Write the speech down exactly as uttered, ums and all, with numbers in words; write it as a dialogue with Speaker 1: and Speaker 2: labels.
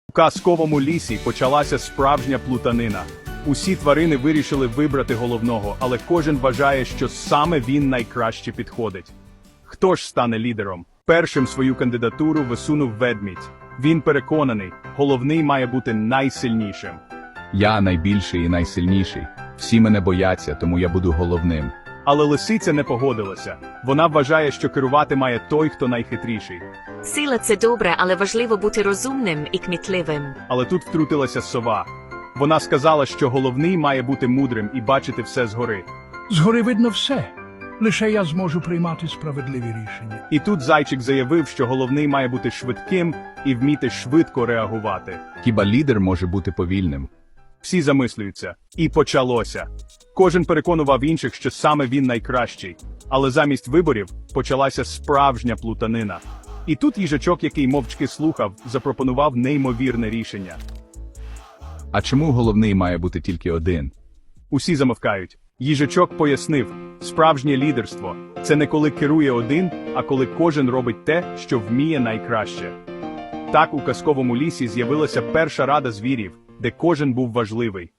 Speaker 1: У казковому лісі почалася справжня плутанина. Усі тварини вирішили вибрати головного, але кожен вважає, що саме він найкраще підходить. Хто ж стане лідером? Першим свою кандидатуру висунув ведмідь. Він переконаний, головний має бути найсильнішим.
Speaker 2: Я найбільший і найсильніший. Всі мене бояться, тому я буду головним.
Speaker 1: Але лисиця не погодилася. Вона вважає, що керувати має той, хто найхитріший.
Speaker 3: Сила – це добре, але важливо бути розумним і кмітливим.
Speaker 1: Але тут втрутилася сова. Вона сказала, що головний має бути мудрим і бачити все згори.
Speaker 4: Згори видно все. Лише я зможу приймати справедливі рішення.
Speaker 1: І тут зайчик заявив, що головний має бути швидким і вміти швидко реагувати.
Speaker 2: Хіба лідер може бути повільним?
Speaker 1: Всі замислюються. І почалося. Кожен переконував інших, що саме він найкращий. Але замість виборів почалася справжня плутанина. І тут їжачок, який мовчки слухав, запропонував неймовірне рішення.
Speaker 2: А чому головний має бути тільки один?
Speaker 1: Усі замовкають. Їжачок пояснив, справжнє лідерство – це не коли керує один, а коли кожен робить те, що вміє найкраще. Так у казковому лісі з'явилася перша рада звірів, де кожен був важливий.